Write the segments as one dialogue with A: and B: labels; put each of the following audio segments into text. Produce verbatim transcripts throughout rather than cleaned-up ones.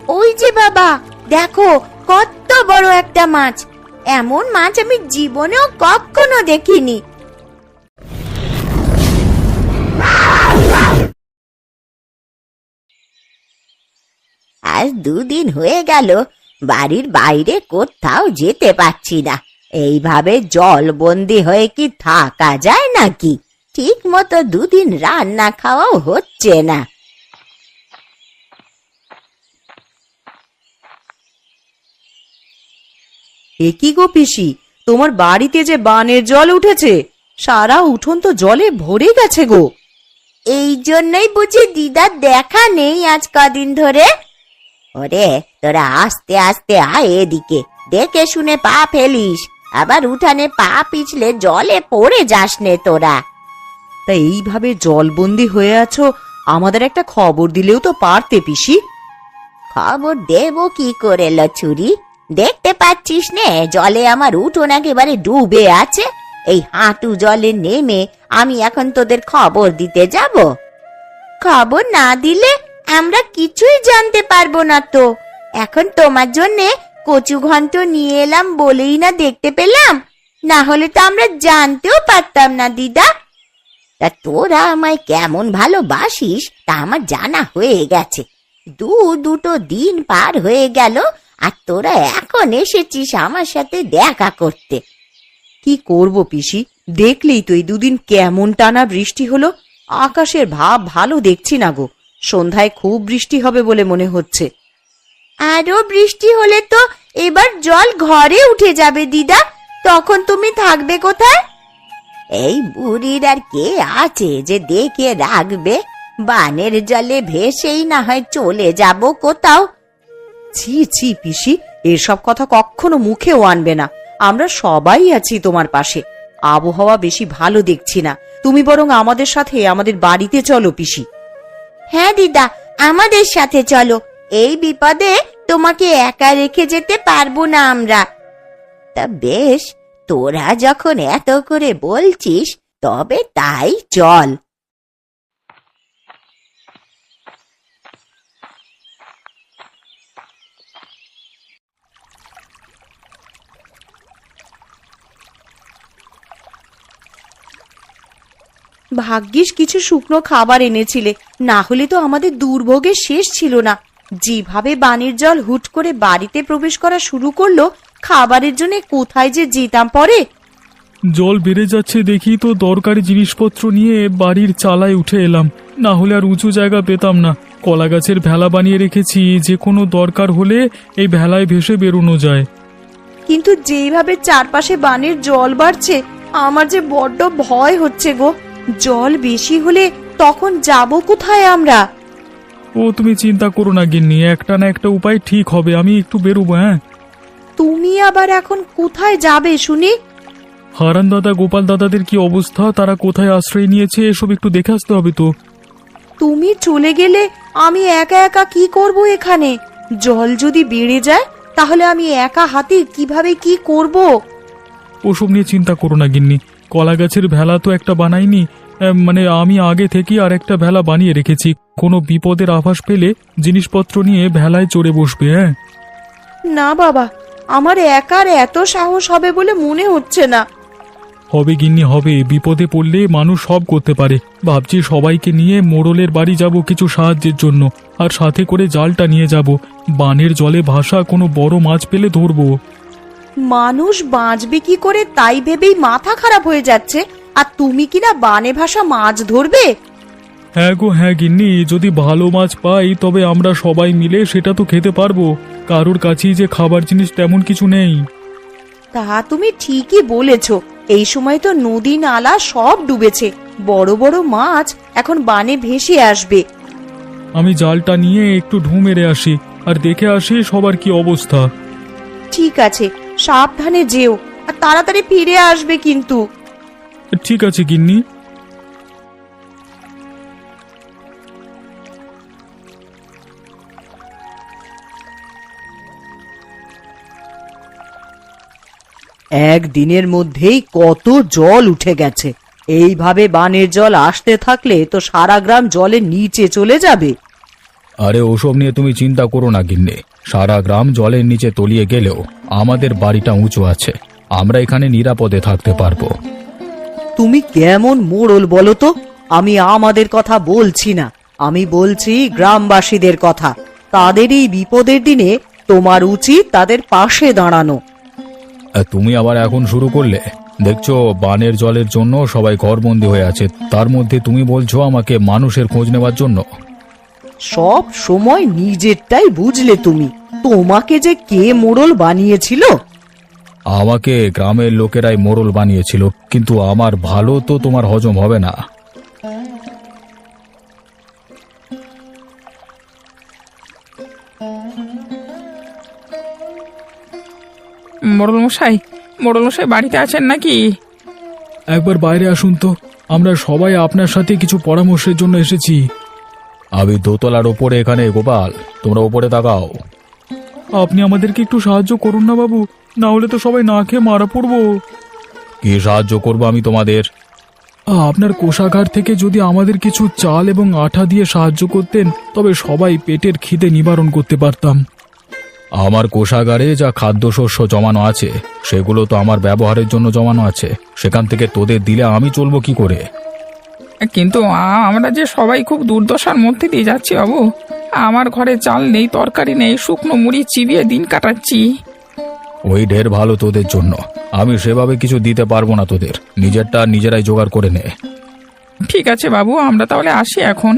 A: ওই যে বাবা, দেখো কত বড় একটা মাছ। এমন মাছ আমি জীবনেও কখনো দেখিনি। আজ দুদিন হয়ে গেল বাড়ির বাইরে কোথাও যেতে পারছি না। এইভাবে জলবন্দি হয়ে কি থাকা যায় নাকি? ঠিক মতো দুদিন রান্না খাওয়াও হচ্ছে না।
B: এ কি গো পিসি, তোমার বাড়িতে যে বানের জল উঠেছে, সারা উঠোন তো জলে ভরে গেছে গো।
A: এই জন্যই বুঝি দিদার দেখা নেই আজ কদিন ধরে। ওরে তোরা আস্তে আস্তে আয় এদিকে, দেখে শুনে পা ফেলিস, আবার উঠানে পা পিছলে জলে পড়ে যাস নে তোরা।
B: তা এইভাবে জলবন্দি হয়ে আছো, আমাদের একটা খবর দিলেও তো পারতে পিসি।
A: খবর দেব কি করে লছুরি? দেখতে পাচ্ছিস নে জলে আমার উঠোন একেবারে ডুবে আছে। এই হাঁটু জলে নেমে আমি এখন তোদের খবর দিতে যাব? খবর না দিলে আমরা কিছুই জানতে পারবো না তো। এখন তোমার জন্যে কচু ঘন্ট নিয়ে এলাম বলেই না দেখতে পেলাম, না হলে তো আমরা জানতেও পারতাম না দিদা। তা তোরা আমায় কেমন ভালোবাসিস তা আমার জানা হয়ে গেছে। দু দুটো দিন পার হয়ে গেল আর তোরা এখন এসেছিস আমার সাথে দেখা করতে।
B: কি করব পিসি, দেখলেই তো এই দুদিন কেমন টানা বৃষ্টি হলো। আকাশের ভাব ভালো দেখছি না গো, সন্ধ্যায় খুব বৃষ্টি হবে বলে মনে হচ্ছে।
A: আরো বৃষ্টি হলে তো এবার জল ঘরে উঠে যাবে দিদা, তখন তুমি থাকবে কোথায়? এই বুড়ির আর কে আছে যে দেখে রাখবে? বানের জলে ভেসেই না হয় চলে যাব কোথাও।
B: ছি ছি পিসি, এসব কথা কখনো মুখেও আনবে না। আমরা সবাই আছি তোমার পাশে। আবহাওয়া বেশি ভালো দেখছি না, তুমি বরং আমাদের সাথে আমাদের বাড়িতে চলো পিসি।
A: হ্যাঁ দিদা, আমাদের সাথে চলো। এই বিপদে তোমাকে একা রেখে যেতে পারবো না আমরা। তা বেশ, তোরা যখন এত করে বলছিস তবে তাই চল।
B: ভাগ্যিস কিছু শুকনো খাবার এনেছিলে, না হলে তো আমাদের দুর্ভোগের শেষ ছিল না। যেভাবে বানের জল হুট করে বাড়িতে প্রবেশ করা শুরু করলো, খাবারের জন্য কোথায় যে যেতাম পরে।
C: জল বেড়ে যাচ্ছে দেখি তো দরকারি জিনিসপত্র নিয়ে বাড়ির চালায় উঠে এলাম, না হলে আর উঁচু জায়গা পেতাম না। কলা গাছের ভেলা বানিয়ে রেখেছি, যে কোনো দরকার হলে এই ভেলায় ভেসে বেরোনো যায়।
B: কিন্তু যেইভাবে চারপাশে বানের জল বাড়ছে, আমার যে বড্ড ভয় হচ্ছে গো। জল বেশি হলে তখন যাব কোথায় আমরা?
C: ও তুমি চিন্তা করো না গিন্নি, একটা না একটা উপায় ঠিক হবে। আমি একটু বেরোবো। হ্যাঁ,
B: তুমি আবার এখন কোথায় যাবে শুনি?
C: হারান দাদা গোপাল দাদাদের কি অবস্থা, তারা কোথায় আশ্রয় নিয়েছে, এসব একটু দেখে আসতে হবে তো।
B: তুমি চলে গেলে আমি একা একা কি করব এখানে? জল যদি বেড়ে যায় তাহলে আমি একা হাতে কিভাবে কি করব?
C: ওসব নিয়ে চিন্তা করো না গিন্নি, কলা গাছের ভেলা তো একটা বানাইনি, মানে আমি আগে থেকে আর একটা ভেলা বানিয়ে রেখেছি। কোনো বিপদের আভাস পেলে জিনিসপত্র নিয়ে ভেলায় চড়ে বসবে। হ্যাঁ,
B: না বাবা, আমার একার এত সাহস হবে বলে মনে হচ্ছে না।
C: হবে গিন্নি হবে, বিপদে পড়লে মানুষ সব করতে পারে। ভাবছি সবাইকে নিয়ে মোড়লের বাড়ি যাব কিছু সাহায্যের জন্য, আর সাথে করে জালটা নিয়ে যাব। বানের জলে ভাসা কোনো বড় মাছ পেলে ধরবো।
B: মানুষ বাঁচবে কি করে তাই ভেবেই মাথা খারাপ হয়ে যাচ্ছে, আর তুমি কিনা বানে ভাসা মাছ ধরবে?
C: হ্যাঁ গো হ্যাঁ গিন্নি, যদি ভালো মাছ পাই তবে আমরা সবাই মিলে সেটা তো খেতে পারবো। কারোর কাছেই যে খাবার জিনিস তেমন কিছু নেই।
B: তা তুমি ঠিকই বলেছ, এই সময় তো নদী নালা সব ডুবেছে, বড় বড় মাছ এখন বানে ভেসে আসবে।
C: আমি জালটা নিয়ে একটু ঢু মেরে আসি, আর দেখে আসি সবার কি অবস্থা।
B: ঠিক আছে, সাবধানে যেও, আর তাড়াতাড়ি ফিরে আসবে কিন্তু।
C: ঠিক আছে গিন্নি।
B: একদিনের মধ্যেই কত জল উঠে গেছে। এইভাবে বানের জল আসতে থাকলে তো সারা গ্রাম জলের নিচে চলে যাবে।
C: আরে ওসব নিয়ে তুমি চিন্তা করো না গিন্নি, সারা গ্রাম জলের নিচে তলিয়ে গেলেও আমাদের বাড়িটা উঁচু আছে, আমরা এখানে নিরাপদে থাকতে পারবো।
B: তুমি কেমন মোড়ল বলো তো? আমি আমাদের কথা বলছি না, আমি বলছি গ্রামবাসীদের কথা। তাদের এই বিপদের দিনে তোমার উচিত তাদের পাশে দাঁড়ানো।
C: আর তুমি আবার এখন শুরু করলে? দেখছো বানের জলের জন্য সবাই ঘরবন্দি হয়ে আছে, তার মধ্যে তুমি বলছো আমাকে মানুষের খোঁজ নেওয়ার জন্য।
B: সব সময় নিজেরটাই বুঝলে তুমি। তোমাকে যে কে মোড়ল বানিয়েছিল?
C: আমাকে গ্রামের লোকেরাই মোড়ল বানিয়েছিল, কিন্তু আমার ভালো তো তোমার হজম হবে না।
D: মোড়ল মশাই, মোড়ল মশাই বাড়িতে আছেন নাকি?
C: একবার বাইরে আসুন তো, আমরা সবাই আপনার সাথে কিছু পরামর্শের জন্য এসেছি। আমি দোতলার ওপরে এখানে, গোপাল তোমরা ওপরে তাকাও। আপনি আমাদেরকে একটু সাহায্য করুন না বাবু, না হলে তো সবাই না খেয়ে মারা পড়বো। কি সাহায্য করবো আমি তোমাদের? আপনার কোষাগার থেকে যদি আমাদের কিছু চাল এবং আঠা দিয়ে সাহায্য করতেন, তবে সবাই পেটের খিদে নিবারণ করতে পারতাম। আমার কোষাগারে যা খাদ্যশস্য জমানো আছে সেগুলো তো আমার ব্যবহারের জন্য জমানো আছে, সেখান থেকে তোদের দিলে আমি চলবো কি করে?
D: কিন্তু আ- আমরা যে সবাই খুব দুর্দশার মধ্যে দিয়ে যাচ্ছি বাবু। আমার ঘরে চাল নেই, তরকারি নেই, শুকনো মুড়ি চিবিয়ে দিন কাটাচ্ছি।
C: ওই ঢের ভালো তোদের জন্য, আমি সেভাবে কিছু দিতে পারবো না তোদের, নিজেরটা নিজেরাই জোগাড় করে নে।
D: ঠিক আছে বাবু, আমরা তাহলে আসি এখন।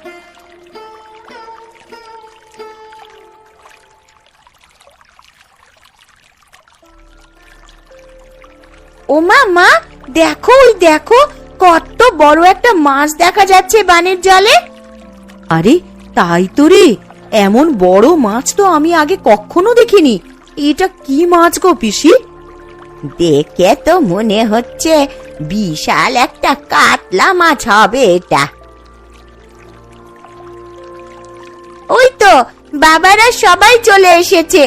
A: ও মা, মা দেখো, ওই দেখো কত বড় একটা মাছ দেখা যাচ্ছে বানের জলে।
B: আরে তাই তো রে, এমন বড় মাছ তো আমি আগে কখনো দেখিনি। এটা কি মাছ গো পিসি?
A: দেখে তো মনে হচ্ছে বিশাল একটা কাতলা মাছ হবে এটা। ওই তো বাবারা সবাই চলে এসেছে।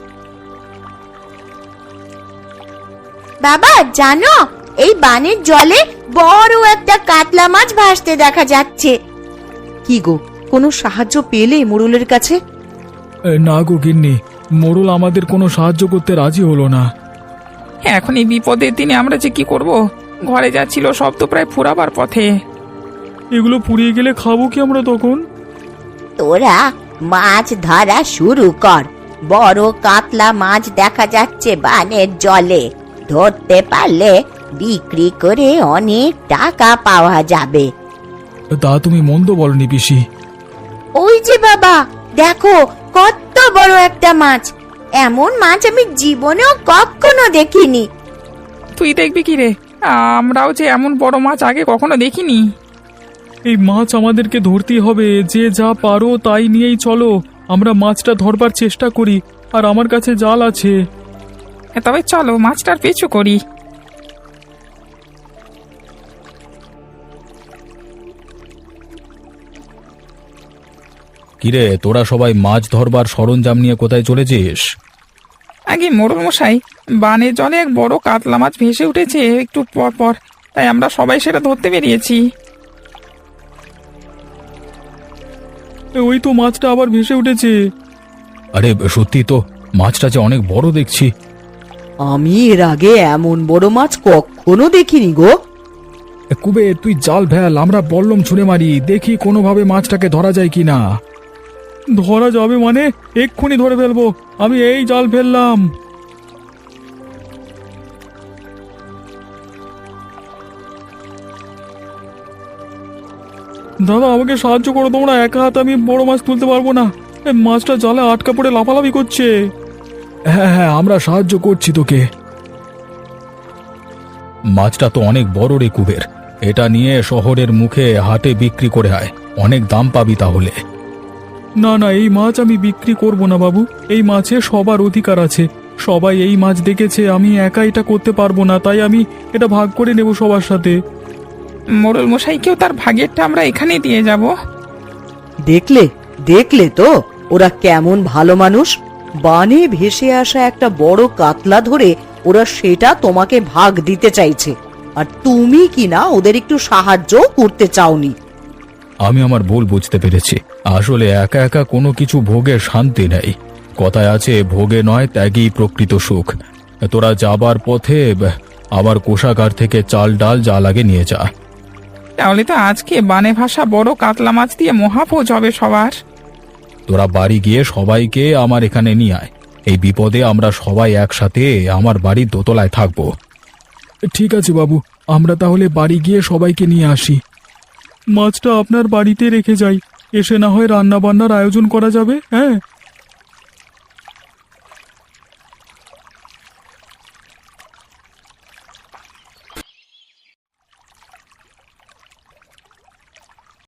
A: বাবা জানো, এই বানের জলে বড় একটা কাতলা মাছ ভাসতে দেখা যাচ্ছে।
B: কি গো, কোনো সাহায্য পেলে মোড়লের কাছে?
C: না গো গিন্নি, মোড়ল আমাদের কোনো সাহায্য করতে রাজি হলো না।
D: এখন এই বিপদের দিনে আমরা যে কি করব? ঘরে যা ছিল সব তো প্রায় ফুরাবার পথে।
C: এগুলো পুড়িয়ে গেলে খাবো কি আমরা তখন?
A: তোরা মাছ ধরা শুরু কর, বড় কাতলা মাছ দেখা যাচ্ছে বানের জলে। ধরতে পারলে বিক্রি করে অনেক টাকা পাওয়া যাবে।
C: তা তুমি মন্দ বলনি পিসি।
A: ওই যে বাবা দেখো, কত বড় একটা মাছ। এমন মাছ আমি জীবনেও কখনো দেখিনি।
D: তুই দেখবি কি রে? আমরাও যে এমন বড় মাছ আগে কখনো দেখিনি।
C: এই মাছ আমাদেরকে ধরতেই হবে, যে যা পারো তাই নিয়েই চলো, আমরা মাছটা ধরবার চেষ্টা করি, আর আমার কাছে জাল আছে।
D: তবে চলো মাছটার পিছু করি।
C: কিরে, তোরা সবাই মাছ ধরবার সরঞ্জাম নিয়ে কোথায় চলেছিস?
D: আগে মোড়ল মশাই, বানের জলে এক বড় কাতলা মাছ ভেসে উঠেছে একটু পর পর, তাই আমরা সবাই সেটা ধরতে বেরিয়েছি।
C: ওই তো মাছটা আবার ভেসে উঠেছে। আরে সত্যি তো, মাছটা যে অনেক বড় দেখছি।
B: আমি এর আগে এমন বড় মাছ কখনো দেখিনি গো।
C: কুবে তুই জাল ফেল, আমরা বল্লম ছুঁড়ে মারি, দেখি কোনোভাবে মাছটাকে ধরা যায় কিনা। ধরা যাবে মানে? এক্ষুনি ধরে ফেলবো, আমি এই জাল ফেললাম। দাদা আমাকে সাহায্য করো তোমরা, একা হাতে আমি বড় মাছ তুলতে পারবো না, এই মাছটা জালে আটকা পড়ে লাফালাফি করছে। হ্যাঁ হ্যাঁ, আমরা সাহায্য করছি তোকে। মাছটা তো অনেক বড় রে কুবের, এটা নিয়ে শহরের মুখে হাটে বিক্রি করে আয়, অনেক দাম পাবি তাহলে। না না, এই মাছ আমি বিক্রি করব না বাবু, এই মাছে সবার অধিকার আছে, সবাই এই মাছ দেখেছে, আমি একা এটা করতে পারবো না, তাই আমি এটা ভাগ করে নেব সবার সাথে।
D: মোড়ল মশাইকেও তার ভাগেরটা আমরা এখানেই দিয়ে যাব।
B: দেখলে দেখলে তো ওরা কেমন ভালো মানুষ। বানে ভেসে আসা একটা বড় কাতলা ধরে ওরা সেটা তোমাকে ভাগ দিতে চাইছে, আর তুমি কি না ওদের একটু সাহায্য করতে চাওনি।
C: আমি আমার ভুল বুঝতে পেরেছি। আসলে একা একা কোনো কিছু ভোগের শান্তি নেই। কথায় আছে, ভোগে নয় ত্যাগই প্রকৃত সুখ। তোরা যাবার পথে ব- আমার কোষাগার থেকে চাল ডাল যা লাগে নিয়ে যা।
D: তাহলে তো আজকে বানে ভাষা বড় কাতলা মাছ দিয়ে মহাভোজ হবে সবার।
C: তোরা বাড়ি গিয়ে সবাইকে আমার এখানে নিয়ে আয়। এই বিপদে আমরা সবাই একসাথে আমার বাড়ির দোতলায় থাকবো। ঠিক আছে বাবু, আমরা তাহলে বাড়ি গিয়ে সবাইকে নিয়ে আসি। মাছটা আপনার বাড়িতে রেখে যাই, এসে না হয় রান্না বান্নার আয়োজন করা যাবে। হ্যাঁ,